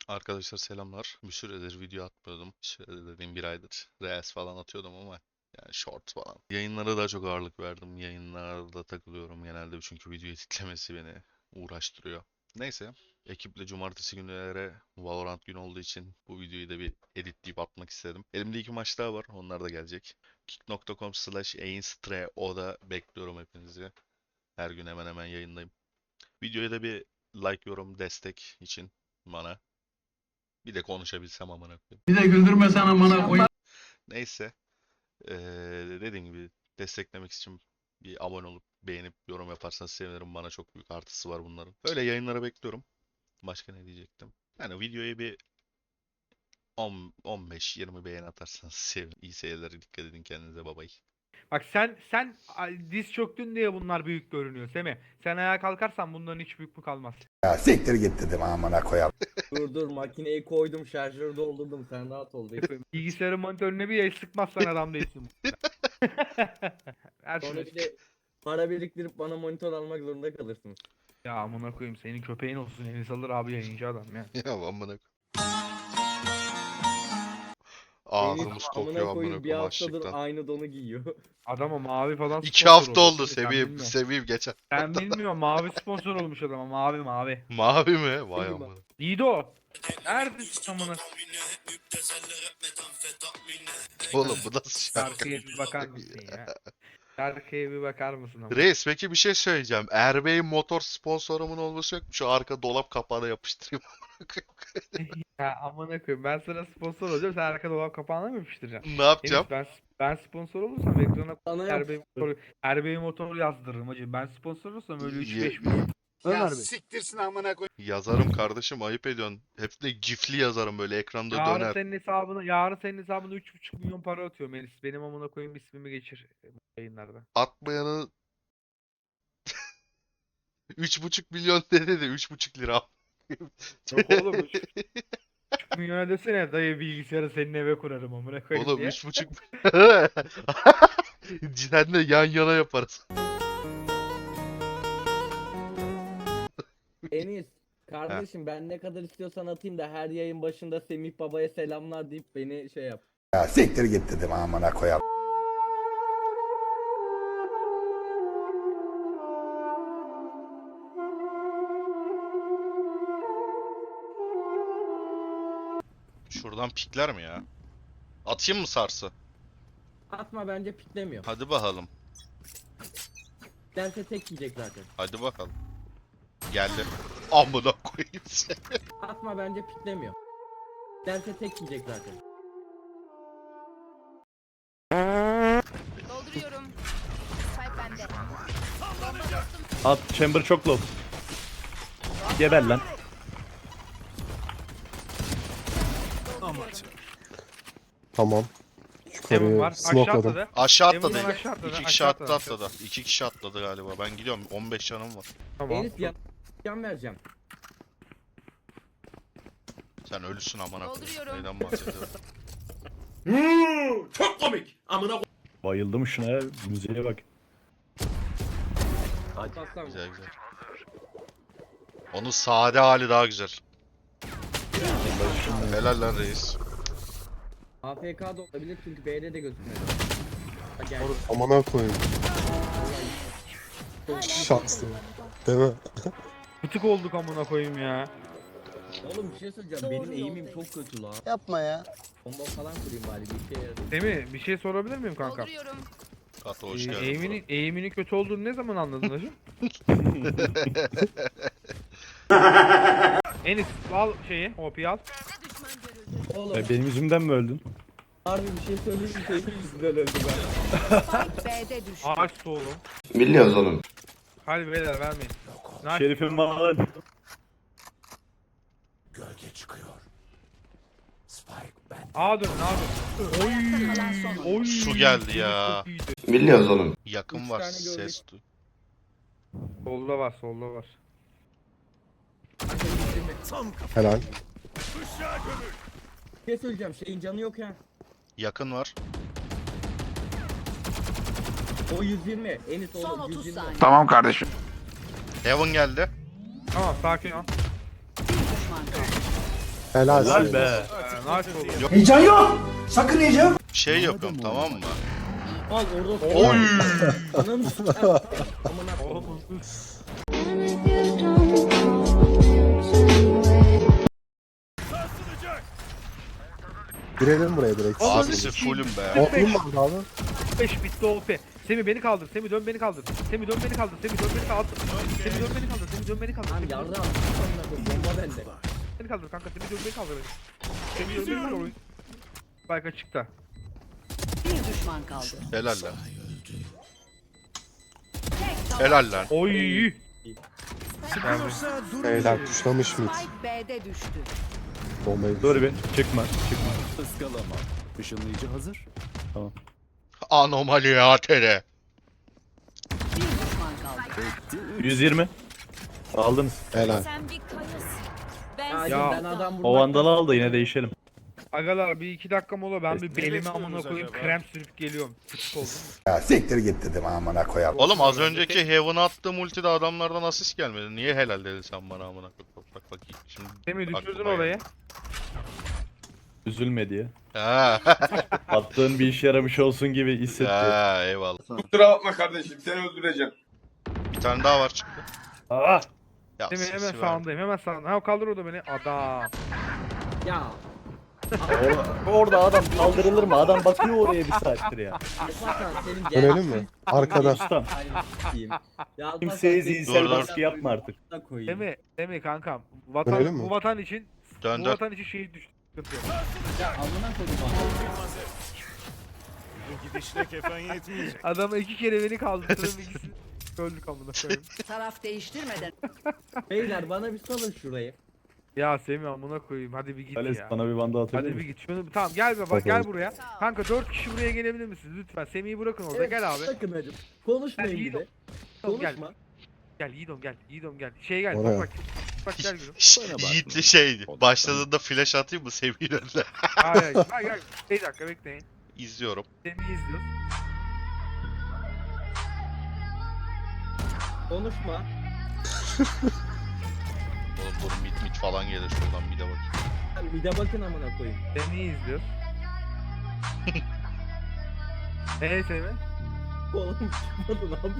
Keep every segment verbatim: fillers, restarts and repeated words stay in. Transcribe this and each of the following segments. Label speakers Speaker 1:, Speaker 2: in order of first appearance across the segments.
Speaker 1: Arkadaşlar selamlar. Bir süredir video atmıyordum. Bir süredir dediğim bir aydır. Reels falan atıyordum ama yani short falan. Yayınlara daha çok ağırlık verdim. Yayınlarda takılıyorum genelde çünkü video editlemesi beni uğraştırıyor. Neyse. Ekiple cumartesi günleri Valorant günü olduğu için bu videoyu da bir editleyip atmak istedim. Elimde iki maç daha var. Onlar da gelecek. kick nokta com slash da bekliyorum hepinizi. Her gün hemen hemen yayındayım. Videoya da bir like, yorum, destek için bana. Bir de konuşabilsem amına koyayım.
Speaker 2: Bir de güldürmesen amına koyayım.
Speaker 1: Neyse. Ee, dediğim gibi desteklemek için bir abone olup beğenip yorum yaparsanız sevinirim. Bana çok büyük artısı var bunların. Öyle yayınlara bekliyorum. Başka ne diyecektim? Yani videoya bir on on beş yirmi beğeni atarsanız sevinirim. İyi seyirler. Dikkat edin kendinize. Bye bye.
Speaker 3: Bak sen sen ay, diz çöktün diye bunlar büyük görünüyor Semih. Sen ayağa kalkarsan bunların hiç büyük mü kalmaz.
Speaker 4: Ya siktir git dedim amına koyalım.
Speaker 5: Dur dur makineyi koydum, şarjörü doldurdum, sen rahat ol. Bekle.
Speaker 3: Bilgisayarın monitörüne bir el sıkmazsan adam değilsin. Her
Speaker 5: Sonra
Speaker 3: şey.
Speaker 5: bir de para biriktirip bana monitör almak zorunda kalırsınız.
Speaker 3: Ya amına koyayım senin köpeğin olsun Enis alır abi yayıncı adam ya.
Speaker 1: Ya amına koyayım.
Speaker 5: Deniz,
Speaker 1: Ağzımız kokuyor
Speaker 5: amına
Speaker 1: amına
Speaker 5: koyayım, bir
Speaker 1: koyayım
Speaker 5: haftadır
Speaker 1: açlıktan.
Speaker 5: aynı donu giyiyor.
Speaker 3: Adama mavi falan
Speaker 1: İki
Speaker 3: sponsor
Speaker 1: hafta
Speaker 3: olmuş.
Speaker 1: oldu
Speaker 3: Sen
Speaker 1: Sevim.
Speaker 3: bilmiyorsun.
Speaker 1: Sevim geçen.
Speaker 3: Ben bilmiyorum mavi sponsor olmuş adama mavi mavi.
Speaker 1: Mavi mi? Vay
Speaker 5: Sevim.
Speaker 1: amına.
Speaker 3: Lido. Neredesin amına?
Speaker 1: Oğlum bu nasıl şarkı?
Speaker 3: Şarkıya bir bakar mısın ya? Şarkıya bir bakar mısın ama?
Speaker 1: Reis peki bir şey söyleyeceğim. Erbey'in motor sponsorumun olması yok mu? Şu arka dolap kapağına yapıştırayım.
Speaker 3: Ya amına koyayım ben sana sponsor olacağım sen arka dolap kapağına mı yapıştıracaksın?
Speaker 1: Ne yapacağım?
Speaker 3: Enis ben ben sponsor olursam ekrana
Speaker 5: Bana yap.
Speaker 3: Erbey motor, Erbey motor yazdırırım hacı. Ben sponsor olursam öyle üç
Speaker 1: Ye-
Speaker 3: beş bin.
Speaker 4: Ömer
Speaker 6: Siktirsin amına koy.
Speaker 1: Yazarım kardeşim ayıp ediyorsun. Hep de gifli yazarım böyle ekranda
Speaker 3: Yarın
Speaker 1: döner.
Speaker 3: senin hesabına yarın senin hesabına üç buçuk milyon para atıyorum Enis. Benim amına koyayım ismimi geçir e, bu yayınlarda.
Speaker 1: Atmayanı üç buçuk milyon dedi de üç buçuk lira.
Speaker 3: Yok oğlum üç buçuk milyona desene dayı bilgisayarı senin eve kurarım amına koyayım
Speaker 1: Oğlum
Speaker 3: diye.
Speaker 1: üç buçuk Sen de yan yana yaparız.
Speaker 5: Enis, kardeşim ben ne kadar istiyorsan atayım da her yayın başında Semih Baba'ya selamlar deyip beni şey yap.
Speaker 4: Ya siktir git dedim amına koyalım.
Speaker 1: Şuradan pikler mi ya? Atayım mı sarsı?
Speaker 5: Atma, bence piklemiyor.
Speaker 1: Hadi bakalım.
Speaker 5: Dense tek yiyecek zaten.
Speaker 1: Hadi bakalım. Geldi. Amına koyayım seni.
Speaker 5: Atma, bence piklemiyor. Dense tek yiyecek zaten.
Speaker 7: Dolduruyorum. Spike bende.
Speaker 8: At chamber çok low. Geber lan.
Speaker 9: Tamam.
Speaker 3: Heaven var.
Speaker 9: Yukarıya
Speaker 3: Aşağı
Speaker 9: smokladım.
Speaker 3: atladı.
Speaker 1: Aşağı
Speaker 3: Emin ol
Speaker 1: atladı.
Speaker 3: aşağı atladı,
Speaker 1: İki kişi
Speaker 3: aşağı
Speaker 1: atladı
Speaker 3: atladı.
Speaker 1: atladı. İki kişi atladı galiba. Ben gidiyorum. on beş canım var.
Speaker 3: Tamam.
Speaker 5: Enis yan, yan vereceğim.
Speaker 1: Sen ölüsün amına koyayım.
Speaker 7: Dolduruyorum.
Speaker 1: Neyden bahsediyorum?
Speaker 8: Bayıldım şuna ya. Müziğe bak.
Speaker 5: Aslan.
Speaker 1: Güzel güzel. Onun sade hali daha güzel. Helal lan reis.
Speaker 5: A F K da olabilir çünkü B'de de gözükmüyor. Ha, gel.
Speaker 9: Amına koyayım. Şanslı. Değil mi?
Speaker 3: Bıtık olduk amına koyayım ya.
Speaker 5: Oğlum bir şey söyleyeceğim. Benim eğimim çok kötü lan.
Speaker 4: Yapma ya.
Speaker 5: Bomba falan kurayım bari, bir şey yarar.
Speaker 3: Semih bir şey sorabilir miyim kanka?
Speaker 7: Dolduruyorum.
Speaker 1: Kato hoş
Speaker 3: Ee,
Speaker 1: geldin.
Speaker 3: eğiminin, eğiminin kötü olduğunu ne zaman anladın hacı? Enis al şeyi, O P'yi al.
Speaker 7: Düşman görüldü.
Speaker 5: Oğlum
Speaker 8: Ya benim yüzümden mi öldün?
Speaker 5: harbi bir şey söyleyeyim mi? Senin yüzünden öldü ben.
Speaker 7: Spike B'de düştü.
Speaker 3: Ağaç oğlum.
Speaker 4: Biliyoruz oğlum.
Speaker 3: Hadi beyler vermeyin. Nice.
Speaker 8: Şerifim var lan.
Speaker 3: Ağa dönün ağa dönün.
Speaker 7: Kalan son.
Speaker 3: Oy.
Speaker 1: Su geldi ya.
Speaker 3: Çok iyiydi.
Speaker 4: Biliyoruz oğlum.
Speaker 1: Yakın
Speaker 5: Üç
Speaker 1: var
Speaker 5: tane gördük.
Speaker 1: ses duy.
Speaker 3: Solda var solda var.
Speaker 9: Helal.
Speaker 5: Bir şey söyleyeceğim. Şeyin canı yok ya.
Speaker 1: Yakın var.
Speaker 5: O yüz yirmi. Enis
Speaker 7: Son
Speaker 5: oğlum
Speaker 7: otuz
Speaker 5: yüz yirmi.
Speaker 7: saniye.
Speaker 9: Tamam kardeşim.
Speaker 1: Heaven geldi.
Speaker 3: Tamam sakin ol.
Speaker 7: Bir düşman kaldı.
Speaker 9: Helal
Speaker 8: Helal
Speaker 9: size.
Speaker 8: be.
Speaker 3: Ee, nice oldu.
Speaker 4: Heyecan yok. Sakın heyecan.
Speaker 1: Bir şey yapıyorum tamam mı?
Speaker 5: Al orada.
Speaker 1: Oy!
Speaker 5: Ananı sikeyim. Amına koyayım.
Speaker 9: Girelim buraya direkt.
Speaker 1: Abisi fullüm be.
Speaker 9: Oğlum vardı abi.
Speaker 3: beş bitti O P. Semih beni kaldır. Semih dön beni kaldır. Semih dön beni kaldır. Semih dön beni kaldır. Semih dön beni kaldır. Semih dön beni kaldır.
Speaker 5: Lan
Speaker 3: Semih dön
Speaker 5: yardım. Amına koyayım. Bomba bende.
Speaker 3: beni kaldır kanka. Semih dön beni kaldır. Semih dön beni kaldır. Bak açıkta.
Speaker 7: Bir düşman kaldı.
Speaker 1: Helal lan. Helal lan.
Speaker 3: Oy.
Speaker 9: Beyler tuşlamış mıyız?
Speaker 7: Spike B'de düştü.
Speaker 9: Bombayı.
Speaker 8: Dur bir çıkma çıkma.
Speaker 6: Iskalama. Işınlayıcı hazır.
Speaker 1: Anomali ya tere.
Speaker 7: Bir düşman kaldı.
Speaker 8: yüz yirmi. Aldınız.
Speaker 9: Helal.
Speaker 7: Sen bir kayasın. Ben
Speaker 5: Ya,
Speaker 3: Ya.
Speaker 5: ben adam vurmak.
Speaker 8: O vandalı al da yine değişelim.
Speaker 3: Agalar bir iki dakika mola ben bir belime
Speaker 6: bekliyorsunuz
Speaker 3: amına koyayım
Speaker 6: acaba?
Speaker 3: krem sürüp geliyorum. Sıkık oldum.
Speaker 4: Ya siktir git dedim amına koyarım.
Speaker 1: Oğlum az önceki Heaven'a attığım ultide adamlardan asist gelmedi. Niye helal dedin sen bana amına koyayım? Bak bak bakayım. Şimdi
Speaker 3: Semih düşürdün
Speaker 1: aklıma
Speaker 3: orayı.
Speaker 1: geldi.
Speaker 8: Üzülme diye.
Speaker 1: Ha.
Speaker 8: Attığın bir işe yaramış olsun gibi hissetti.
Speaker 1: Ha eyvallah.
Speaker 2: Kusura bakma kardeşim seni öldüreceğim.
Speaker 1: Bir tane daha var çıktı.
Speaker 8: Ah!
Speaker 1: Ya
Speaker 3: Semih
Speaker 1: sesi
Speaker 3: hemen
Speaker 1: ver.
Speaker 3: sağındayım hemen sağında. Ha kaldır orada beni. Adam.
Speaker 5: Ya.
Speaker 8: Orada, orada adam kaldırılır mı? Adam bakıyor oraya bir saattir ya.
Speaker 5: Alparslan senin gel.
Speaker 9: Dönelim mi? Arkada.
Speaker 8: Ustam.
Speaker 5: Sikeyim. Ya Alparslan
Speaker 8: Kimseye
Speaker 5: senin
Speaker 8: zihinsel
Speaker 1: Dur, dur.
Speaker 8: baskı yapma artık.
Speaker 5: a**ına koyayım.
Speaker 3: Semih, Semih kankam.
Speaker 9: Dönelim
Speaker 3: Vatan,
Speaker 9: mi?
Speaker 3: bu vatan için
Speaker 1: Dön
Speaker 3: bu
Speaker 1: dön.
Speaker 3: vatan için şehit düştü. Sıkıntı yok.
Speaker 5: Ya amına koyayım abi.
Speaker 6: Bu gidişle kefen yetmeyecek.
Speaker 3: Adama iki kere beni kaldırdım ikisini öldük amına koyayım.
Speaker 7: taraf değiştirmeden.
Speaker 5: Beyler bana bir salın şurayı.
Speaker 3: Ya Semih amına koyayım hadi bir git
Speaker 8: Ales
Speaker 3: ya.
Speaker 8: bana bir vandal atabilir
Speaker 3: Hadi bir
Speaker 8: misin?
Speaker 3: git. Şunu tamam gel baba gel
Speaker 9: Bakalım.
Speaker 3: buraya. Kanka dört kişi buraya gelebilir misiniz lütfen? Semih'i bırakın orada gel abi.
Speaker 5: Sakın hacım. Konuşmayın
Speaker 3: Ben
Speaker 5: bir de.
Speaker 3: Tamam, gel.
Speaker 5: Konuşma.
Speaker 3: Gel Yiğidom gel. Yiğidom gel. Şey gel.
Speaker 9: Oraya.
Speaker 3: Bak bak. Bak gel gülüm.
Speaker 1: Şşş,
Speaker 6: Bana bak.
Speaker 1: Yiğitli şey. Başladığında flash atayım mı Semih'in önüne?
Speaker 3: Hayır hayır. Hayır gel. Bir dakika bekleyin.
Speaker 1: İzliyorum.
Speaker 3: Semih'i izliyoruz.
Speaker 5: Konuşma.
Speaker 1: Oğlum dur mit mit falan gelir şuradan bir de bakayım.
Speaker 5: Sen bir de bakın amına koyayım.
Speaker 3: Semih'i izliyoruz. Eee Semih?
Speaker 5: Oğlum çıkmadın abi.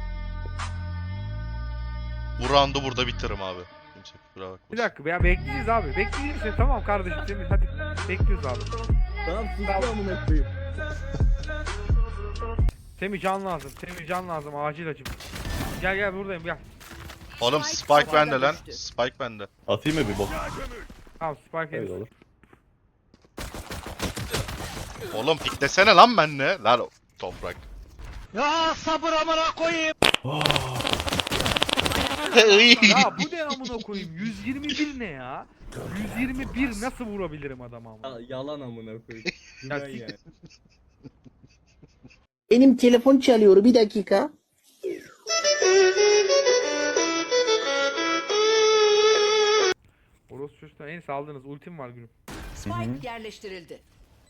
Speaker 1: Bu roundu burada bitiririm abi. Kimse kusura bakmasın.
Speaker 3: Bir dakika ya bekleyeceğiz abi. Bekleyeceğiz seni tamam kardeşim Semih hadi. Bekliyoruz abi.
Speaker 5: Tamam sus amına koyayım.
Speaker 3: Semih can lazım. Semih can lazım acil acım. Gel gel buradayım gel.
Speaker 1: Oğlum
Speaker 7: Spike
Speaker 1: Spike
Speaker 7: havada
Speaker 1: bende lan.
Speaker 7: düştü.
Speaker 1: Spike bende.
Speaker 8: Atayım mı bir bok?
Speaker 3: Tamam Spike
Speaker 8: Öyle
Speaker 3: Henry.
Speaker 8: olur.
Speaker 1: Oğlum piklesene lan benle. Lan toprak.
Speaker 3: Ya bu ne amına koyayım? yüz yirmi bir ne ya? yüz yirmi bir nasıl vurabilirim adama ama?
Speaker 5: Ya, yalan amına koyayım.
Speaker 3: Ya
Speaker 5: Güven
Speaker 3: siktir.
Speaker 5: yani.
Speaker 10: Benim telefon çalıyor bir dakika.
Speaker 3: Orospu çocuklar en iyisi aldınız. Ultim var gülüm.
Speaker 7: Spike yerleştirildi.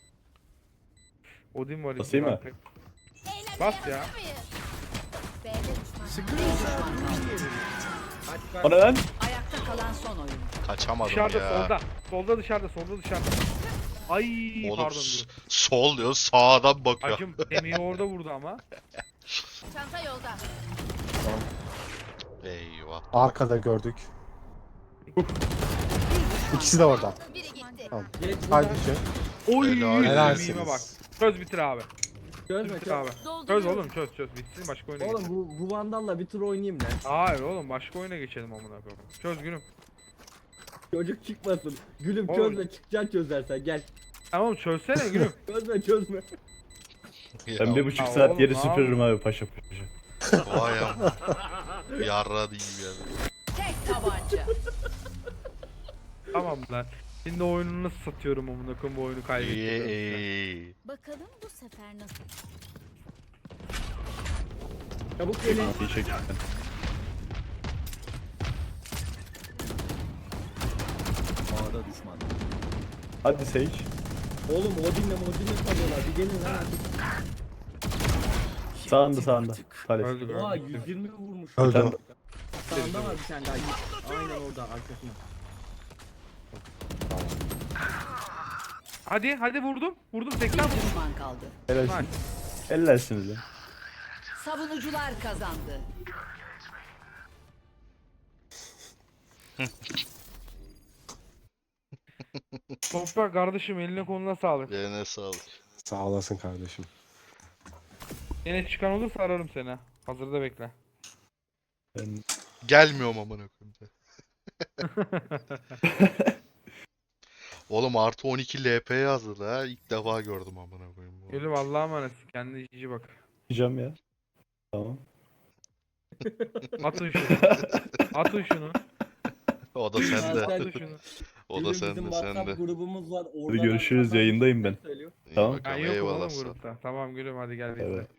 Speaker 3: Odin var.
Speaker 8: Basayım mı?
Speaker 3: Bas ya.
Speaker 7: B'de düşman. Bir düşman kaldı.
Speaker 5: Kaç kaç.
Speaker 8: O ne lan?
Speaker 7: Ayakta kalan son oyun.
Speaker 1: Kaçamadım
Speaker 3: Dışarıda
Speaker 1: ya.
Speaker 3: solda. Solda dışarıda solda dışarıda. Ay
Speaker 1: Oğlum
Speaker 3: pardon
Speaker 1: s-
Speaker 3: gülüm.
Speaker 1: sol diyor sağdan bakıyor.
Speaker 3: Acım Semih'i orada vurdu ama.
Speaker 7: Çanta yolda.
Speaker 1: Eyvah.
Speaker 9: Arkada gördük. İkisi de orada.
Speaker 7: Biri gitti.
Speaker 5: Geç
Speaker 9: Haydi
Speaker 5: buradan.
Speaker 9: şey.
Speaker 3: Oy
Speaker 1: Helal
Speaker 3: Semih'ime bak.
Speaker 9: Helalsiniz.
Speaker 3: Çöz bitir abi.
Speaker 5: Çözme
Speaker 3: Bitir
Speaker 5: çöz.
Speaker 3: abi. Çöz
Speaker 7: Dolduruyorum.
Speaker 3: oğlum çöz çöz. Bitsin başka oyuna
Speaker 5: Oğlum
Speaker 3: geçelim.
Speaker 5: bu, bu vandalla bir tur oynayayım lan.
Speaker 3: Hayır oğlum başka oyuna geçelim amına koyayım. Çöz gülüm.
Speaker 5: Çocuk çıkmasın. Gülüm
Speaker 3: Oğlum.
Speaker 5: çözme çıkacaksın çözersen gel.
Speaker 3: Tamam çözsene gülüm.
Speaker 5: Çözme çözme.
Speaker 8: Ben bir buçuk
Speaker 3: Ya
Speaker 8: saat
Speaker 3: oğlum,
Speaker 8: yeri
Speaker 3: ne
Speaker 8: süpürürüm abi paşa paşa.
Speaker 1: Vay am. Yarra değil yani.
Speaker 7: Tek tabanca.
Speaker 3: Tamam lan. Şimdi oyunu nasıl satıyorum amına koyayım bu oyunu
Speaker 1: İyi
Speaker 3: kaybettim.
Speaker 1: iyi.
Speaker 7: Bakalım bu sefer nasıl?
Speaker 5: Çabuk gelin.
Speaker 8: İyi çektim.
Speaker 6: Ağda düşman.
Speaker 8: Hadi Sage.
Speaker 5: Oğlum Odin'le Odin'le kalıyorlar. Bir gelin lan artık.
Speaker 8: Sağında sağında. Hadi.
Speaker 3: Öldük
Speaker 5: Oha
Speaker 3: öldük.
Speaker 5: yüz yirmi vurmuş.
Speaker 9: Öldüm.
Speaker 5: Sağında var bir tane daha. Aynen orada arkasında.
Speaker 3: Hadi hadi vurdum. Vurdum seksen
Speaker 7: Bir
Speaker 3: vurdum.
Speaker 7: düşman kaldı.
Speaker 8: Helalsin.
Speaker 3: Nice.
Speaker 8: Helalsiniz ya.
Speaker 7: Savunucular kazandı.
Speaker 3: Toprak kardeşim eline koluna sağlık.
Speaker 1: Eline sağlık.
Speaker 9: Sağ olasın kardeşim.
Speaker 3: Yine çıkan olursa ararım seni. Hazırda bekle.
Speaker 8: Ben
Speaker 1: Gelmiyorum amına koyayım. Oğlum artı on iki L P yazdı ha. İlk defa gördüm amına koyayım. bu.
Speaker 3: Gülüm Allah'a emanet. Kendine iyi bak.
Speaker 8: yapacağım ya. Tamam.
Speaker 3: Atın şunu. Atın şunu.
Speaker 1: O da
Speaker 5: Aa,
Speaker 1: sende.
Speaker 5: sen-
Speaker 3: Atın şunu.
Speaker 1: O da
Speaker 5: Bizim
Speaker 1: sende
Speaker 5: WhatsApp
Speaker 1: sende.
Speaker 5: grubumuz var. Orada
Speaker 8: Hadi görüşürüz,
Speaker 5: ben-
Speaker 8: yayındayım ben.
Speaker 5: Söylüyor.
Speaker 1: İyi
Speaker 8: Tamam.
Speaker 3: Ben
Speaker 1: bakalım,
Speaker 3: yokum
Speaker 1: eyvallah
Speaker 3: oğlum
Speaker 1: sana.
Speaker 3: grupta. Tamam gülüm hadi gel bizle.
Speaker 8: Evet.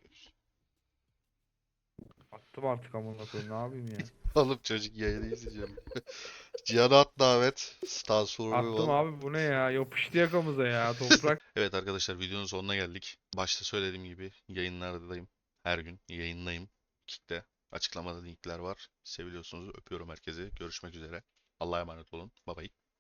Speaker 3: Attım artık amına koyayım ne yapayım ya.
Speaker 1: Oğlum çocuk yayını izleyeceğim. Cihan'a at davet. Star
Speaker 3: Attım
Speaker 1: Survival.
Speaker 3: abi bu ne ya yapıştı yakamıza ya toprak.
Speaker 1: Evet arkadaşlar videonun sonuna geldik. Başta söylediğim gibi yayınlardayım. Her gün yayındayım. Kick'te. Açıklamada linkler var. Seviliyorsunuz. Öpüyorum herkese. Görüşmek üzere. Allah'a emanet olun. Bye bye.